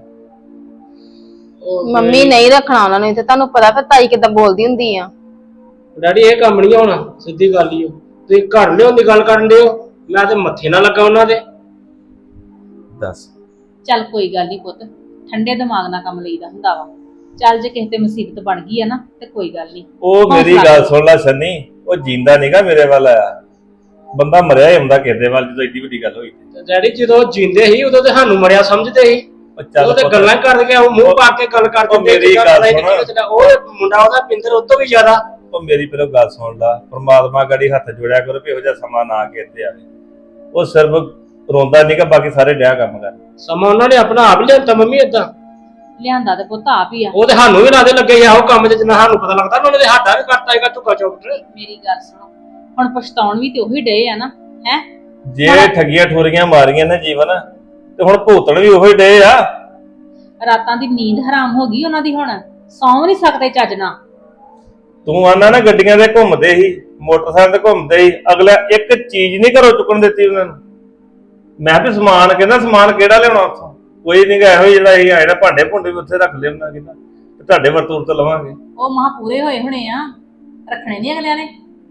[SPEAKER 6] ਮੰਮੀ ਨਹੀਂ ਰੱਖਣਾ ਉਹਨਾਂ ਨੂੰ। ਤੇ ਤੁਹਾਨੂੰ ਪਤਾ ਫਿਰ ਤਾਈ ਕਿੱਦਾਂ ਬੋਲਦੀ ਹੁੰਦੀ ਆ।
[SPEAKER 1] ਡੈਡੀ ਇਹ ਕੰਮ ਨਹੀਂ ਹੋਣਾ। ਸਿੱਧੀ ਗੱਲ ਹੀ ਤੁਸੀਂ ਘਰ ਲਿਆਉਣ ਦੀ ਗੱਲ ਕਰਨ ਦਿਓ। ਮੈਂ ਤੇ ਮੱਥੇ ਨਾ ਲੱਗਾ ਉਹਨਾਂ ਦੇ।
[SPEAKER 5] ਦੱਸ।
[SPEAKER 7] ਚੱਲ ਕੋਈ ਗੱਲ ਨਹੀਂ ਪੁੱਤ। ਠੰਡੇ ਦਿਮਾਗ ਨਾਲ ਕੰਮ ਲਈਦਾ ਹੁੰਦਾ ਵਾ। ਚੱਲ ਜੇ ਕਿਸੇ ਤੇ ਮੁਸੀਬਤ ਬਣ ਗਈ ਆ ਨਾ ਤੇ ਕੋਈ ਗੱਲ ਨਹੀਂ।
[SPEAKER 5] ਉਹ ਮੇਰੀ ਗੱਲ ਸੁਣ ਲੈ ਸੰਨੀ। ਉਹ ਜਿੰਦਾ ਨਹੀਂਗਾ ਮੇਰੇ ਵੱਲ ਆਇਆ। ਬੰਦਾ ਮਰਿਆ ਹੀ ਹੁੰਦਾ ਕਿਸੇ ਦੇ ਵੱਲ ਜਦੋਂ ਏਡੀ ਵੱਡੀ ਗੱਲ ਹੋਈ।
[SPEAKER 1] ਡੈਡੀ ਜਦੋਂ ਜਿੰਦੇ ਸੀ ਉਦੋਂ ਤੇ ਸਾਨੂੰ ਮਰਿਆ ਸਮਝਦੇ ਸੀ। ਉਹ ਤੇ ਗੱਲਾਂ ਕਰਕੇ ਮੂੰਹ ਪਾ ਕੇ ਗੱਲ ਕਰ ਦਿੰਦੇ।
[SPEAKER 5] ਮੇਰੀ ਗੱਲ ਸੁਣ।
[SPEAKER 1] ਉਹ ਮੁੰਡਾ ਉਹਦਾ ਪਿੰਦਰ ਉਹ ਤੋਂ ਵੀ ਜ਼ਿਆਦਾ।
[SPEAKER 5] ਉਹ ਮੇਰੀ ਪਹਿਲਾਂ ਗੱਲ ਸੁਣ ਲਾ। ਪਰਮਾਤਮਾ ਗੜੀ ਹੱਥ ਜੋੜਿਆ ਕਰੋ ਵੀ ਇਹੋ ਜਿਹਾ ਸਮਾਂ ਨਾ ਕੇ ਇੱਥੇ ਆਵੇ। ਉਹ ਸਿਰਫ ਰੋਂਦਾ ਨਹੀਂਗਾ ਬਾਕੀ ਸਾਰੇ ਡਿਆ ਕੰਮ ਕਰ।
[SPEAKER 1] ਸਮਾਂ ਉਹਨਾਂ ਨੇ ਆਪਣਾ ਆਪ ਹੀ ਲਿਆਂਦਾ ਮੰਮੀ ਏਦਾਂ।
[SPEAKER 7] ਲਿਆਂਦਾ ਤੇ ਪੁੱਤ ਆਪ ਹੀ ਆ।
[SPEAKER 1] ਉਹ ਤੇ ਸਾਨੂੰ ਵੀ ਲਾਦੇ ਲੱਗੇ ਆ ਉਹ ਕੰਮ ਚ ਜਿੰਨਾ ਸਾਨੂੰ ਪਤਾ ਲੱਗਦਾ ਉਹਨਾਂ ਨੇ ਸਾਡਾ ਵੀ ਕਰਤਾ ਹੈਗਾ ਧੁੱਕਾ ਚੌਕਟ।
[SPEAKER 7] ਮੇਰੀ ਗੱਲ ਸੁਣੋ ਹੁਣ ਪਛਤਾਉਣ ਵੀ ਤੇ ਉਹੀ ਡੇ ਆ ਨਾ। ਹੈ
[SPEAKER 5] ਜੇ ਠੱਗੀਆਂ ਠੋਰੀਆਂ ਮਾਰੀਆਂ ਨੇ ਜੀਵਨ ਤੇ ਹੁਣ ਭੂਤਣ ਵੀ ਉਹੀ ਡੇ ਆ।
[SPEAKER 7] ਰਾਤਾਂ ਦੀ ਨੀਂਦ ਹਰਾਮ ਹੋ ਗਈ ਉਹਨਾਂ ਦੀ। ਹੁਣ ਸੌਂ ਨਹੀਂ ਸਕਦੇ ਚੱਜ ਨਾਲ।
[SPEAKER 5] ਤੂੰ ਆਨਾ ਨਾ ਗੱਡੀਆਂ ਤੇ ਘੁੰਮਦੇ ਸੀ ਮੋਟਰਸਾਈਕਲ ਤੇ ਘੁੰਮਦੇ ਸੀ। ਅਗਲਾ ਇੱਕ ਚੀਜ਼ ਨਹੀਂ ਘਰੋਂ ਚੁੱਕਣ ਦਿੱਤੀ ਉਹਨਾਂ ਨੂੰ। ਮੈਂ ਵੀ ਸਮਾਨ ਕਹਿੰਦਾ ਸਮਾਨ ਕਿਹੜਾ ਲਿਆਉਣਾ ਉੱਥੋਂ? ਕੋਈ ਨਹੀਂ ਗਾ ਇਹੋ ਜਿਹੜਾ ਅਸੀਂ ਆਏ ਨਾ ਭਾਂਡੇ ਭੁੰਡੇ ਵੀ ਉੱਥੇ ਰੱਖ ਲਿਆਉਣਾ ਕਿਦਾ ਤੇ ਤੁਹਾਡੇ ਵਰਤੂਰ ਤੇ ਲਵਾਂਗੇ।
[SPEAKER 7] ਉਹ ਮਹਾ ਪੂਰੇ ਹੋਏ ਹੋਣੇ ਆ। ਰੱਖਣੇ ਨਹੀਂ ਅਗਲਿਆਂ ਨੇ।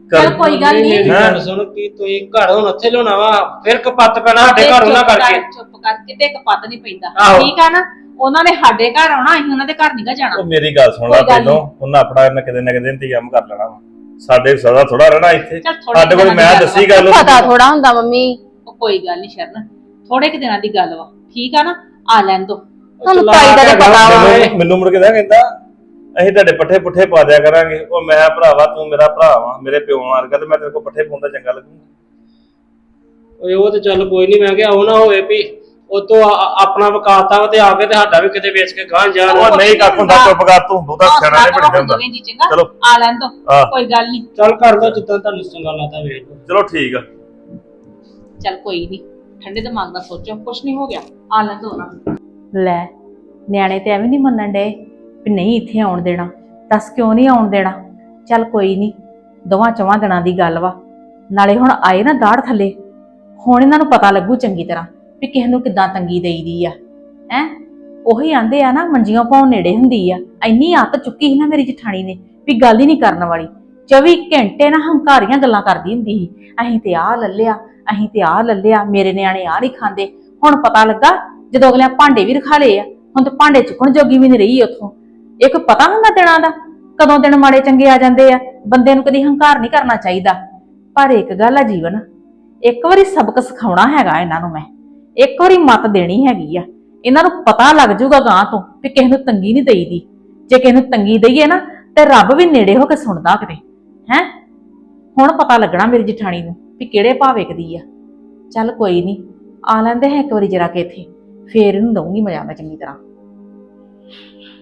[SPEAKER 7] ਚੱਲ ਕੋਈ ਗੱਲ ਨਹੀਂ
[SPEAKER 8] ਮੇਰੀ ਗੱਲ ਸੁਣ ਕੀ ਤੁਸੀਂ ਘਰ ਹੁਣ ਉੱਥੇ ਲਿਆਉਣਾ ਵਾ ਫਿਰ ਕਪੱਤ ਪੈਣਾ ਸਾਡੇ ਘਰ ਉਹਨਾਂ ਕਰਕੇ
[SPEAKER 7] ਚੁੱਪ ਕਰ ਕਿਤੇ ਕਪੱਤ ਨਹੀਂ ਪੈਂਦਾ
[SPEAKER 8] ਆਹੋ।
[SPEAKER 7] ਠੀਕ ਆ ਨਾ ਉਹਨਾਂ ਨੇ ਸਾਡੇ ਘਰ ਆਉਣਾ ਅਸੀਂ ਉਹਨਾਂ ਦੇ ਘਰ ਨਹੀਂ ਗਾ ਜਾਣਾ
[SPEAKER 5] ਉਹ ਮੇਰੀ ਗੱਲ ਸੁਣ ਲੈ
[SPEAKER 7] ਕੋਈ ਗੱਲ
[SPEAKER 5] ਪਹਿਲੋਂ ਉਹਨਾਂ ਆਪਣਾ ਇਹਨਾਂ ਕਿਤੇ ਨਾ ਕਿਤੇ ਇੰਤਜ਼ਾਮ ਕਰ ਲੈਣਾ ਵਾ ਸਾਡੇ ਸਦਾ ਥੋੜਾ ਰਹਿਣਾ ਇੱਥੇ
[SPEAKER 7] ਚੱਲ ਥੋੜੇ
[SPEAKER 5] ਸਾਡੇ ਕੋਲ ਮੈਂ ਦੱਸੀ ਗੱਲ ਉਹਨੂੰ।
[SPEAKER 6] ਪਤਾ ਥੋੜਾ ਹੁੰਦਾ ਮੰਮੀ
[SPEAKER 7] ਉਹ ਕੋਈ ਗੱਲ ਨਹੀਂ ਸ਼ਰਨ ਥੋੜੇ ਕਿ ਦਿਨਾਂ ਦੀ ਗੱਲ ਵਾ ਠੀਕ ਆ ਨਾ ਆ ਲੈਣ ਦੋ
[SPEAKER 6] ਤੁਹਾਨੂੰ ਤਾਈ ਦਾ ਤਾਂ ਪਤਾ ਵਾ
[SPEAKER 5] ਮੈਨੂੰ ਮੁੜ ਕੇ ਨਾ ਕਹਿੰਦਾ ਅਸੀਂ ਤੁਹਾਡੇ ਪੱਠੇ ਪੁੱਠੇ ਪਾ ਦਿਆ ਕਰਾਂਗੇ ਉਹ ਮੈਂ ਭਰਾਵਾ ਤੂੰ ਮੇਰਾ ਭਰਾ ਵਾ ਮੇਰੇ ਪਿਓ ਵਰਗਾ ਤੇ ਮੈਂ ਤੇਰੇ ਕੋਲ ਪੱਠੇ ਪਾਉਂਦਾ ਚੰਗਾ ਲੱਗੂਗਾ।
[SPEAKER 8] ਓਏ ਉਹ ਤੇ ਚੱਲ ਕੋਈ ਨਹੀਂ ਮੈਂ ਕਿਹਾ ਉਹ ਨਾ ਹੋਵੇ ਵੀ ਉਹ ਤੋਂ ਆਪਣਾ ਵਕਾਤਾ ਵਾ ਤੇ ਆ ਕੇ ਤੇ ਸਾਡਾ ਵੀ ਕਿਤੇ ਵੇਚ ਕੇ ਗਾਂ ਜਾਣ
[SPEAKER 5] ਉਹ ਨਹੀਂ ਕੱਖ ਹੁੰਦਾ ਚੁੱਪ ਕਰ ਤੂੰ ਬਹੁਤਾ ਸਿਆਣਾ ਨਹੀਂ ਬਣ ਜਾਂਦਾ ਚਲੋ
[SPEAKER 7] ਆ ਲੈਣ ਦੋ
[SPEAKER 5] ਹਾਂ।
[SPEAKER 7] ਕੋਈ ਗੱਲ ਨਹੀਂ
[SPEAKER 8] ਚੱਲ ਕਰ ਦੋ ਜਿੱਦਾਂ ਤੁਹਾਨੂੰ ਚੰਗਾ ਲੱਗਦਾ ਵੇਖ ਲਓ।
[SPEAKER 5] ਚਲੋ ਠੀਕ ਆ।
[SPEAKER 7] ਚੱਲ ਕੋਈ ਨਹੀਂ ਠੰਡੇ ਦਿਮਾਗ ਨਾਲ ਸੋਚੋ ਕੁਛ ਨਹੀਂ ਹੋ ਗਿਆ ਆ ਲੈਣ ਦੋ ਨਾ
[SPEAKER 9] ਲੈ ਨਿਆਣੇ ਤੇ ਐਵੇਂ ਨਹੀਂ ਮੰਨਣ ਡਏ ਵੀ ਨਹੀਂ ਇੱਥੇ ਆਉਣ ਦੇਣਾ। ਦੱਸ ਕਿਉਂ ਨਹੀਂ ਆਉਣ ਦੇਣਾ? ਚੱਲ ਕੋਈ ਨਹੀਂ, ਦੋਵਾਂ ਚਵਾਂ ਦਿਨਾਂ ਦੀ ਗੱਲ ਵਾ। ਨਾਲੇ ਹੁਣ ਆਏ ਨਾ ਦਾੜ ਥੱਲੇ, ਹੁਣ ਇਹਨਾਂ ਨੂੰ ਪਤਾ ਲੱਗੂ ਚੰਗੀ ਤਰ੍ਹਾਂ ਵੀ ਕਿਸੇ ਨੂੰ ਕਿੱਦਾਂ ਤੰਗੀ ਦੇਈਦੀ ਆ। ਹੈ ਉਹੀ ਆਂਦੇ ਆ ਨਾ ਮੰਜੀਆਂ ਪਾਉਣ ਨੇੜੇ ਹੁੰਦੀ ਆ। ਇੰਨੀ ਆਤ ਚੁੱਕੀ ਸੀ ਨਾ ਮੇਰੀ ਜਠਾਣੀ ਨੇ ਵੀ ਗੱਲ ਹੀ ਨਹੀਂ ਕਰਨ ਵਾਲੀ। 24 ਘੰਟੇ ਨਾ ਹੰਕਾਰੀਆਂ ਗੱਲਾਂ ਕਰਦੀ ਹੁੰਦੀ ਸੀ, ਅਸੀਂ ਤੇ ਆਹ ਲੱਲਿਆ, ਅਸੀਂ ਤੇ ਆਹ ਲੱਲਿਆ, ਮੇਰੇ ਨਿਆਣੇ ਆਹ ਨਹੀਂ ਖਾਂਦੇ। ਹੁਣ ਪਤਾ ਲੱਗਾ ਜਦੋਂ ਅਗਲਿਆਂ ਭਾਂਡੇ ਵੀ ਰਖਾ ਲਏ ਆ, ਹੁਣ ਤਾਂ ਭਾਂਡੇ ਚੁੱਕਣ ਜੋਗੀ ਵੀ ਨਹੀਂ ਰਹੀ ਉੱਥੋਂ। ਇੱਕ ਪਤਾ ਹੁੰਦਾ ਦਿਨਾਂ ਦਾ, ਕਦੋਂ ਦਿਨ ਮਾੜੇ ਚੰਗੇ ਆ ਜਾਂਦੇ ਆ। ਬੰਦੇ ਨੂੰ ਕਦੀ ਹੰਕਾਰ ਨਹੀਂ ਕਰਨਾ ਚਾਹੀਦਾ। ਪਰ ਇੱਕ ਗੱਲ ਆ ਜੀਵਨ, ਇੱਕ ਵਾਰੀ ਸਬਕ ਸਿਖਾਉਣਾ ਹੈਗਾ ਇਹਨਾਂ ਨੂੰ। ਮੈਂ ਇੱਕ ਵਾਰੀ ਮੱਤ ਦੇਣੀ ਹੈਗੀ ਆ। ਇਹਨਾਂ ਨੂੰ ਪਤਾ ਲੱਗ ਜਾਊਗਾ ਗਾਂ ਤੋਂ ਵੀ ਕਿਸੇ ਨੂੰ ਤੰਗੀ ਨਹੀਂ ਦੇਈਦੀ। ਜੇ ਕਿਸੇ ਨੂੰ ਤੰਗੀ ਦਈਏ ਨਾ ਤੇ ਰੱਬ ਵੀ ਨੇੜੇ ਹੋ ਕੇ ਸੁਣਦਾ ਕਿਤੇ। ਹੈ ਹੁਣ ਪਤਾ ਲੱਗਣਾ ਮੇਰੀ ਜਠਾਣੀ ਨੂੰ ਵੀ ਕਿਹੜੇ ਭਾਅ ਵੇਖਦੀ ਆ। ਚੱਲ ਕੋਈ ਨਹੀਂ, ਆ ਲੈਂਦੇ ਹੈ ਇੱਕ ਵਾਰੀ ਜਰਾ ਕਿ ਇੱਥੇ, ਫੇਰ ਇਹਨੂੰ ਦਊਂਗੀ ਮਜ਼ਾ ਮੈਂ ਚੰਗੀ ਤਰ੍ਹਾਂ।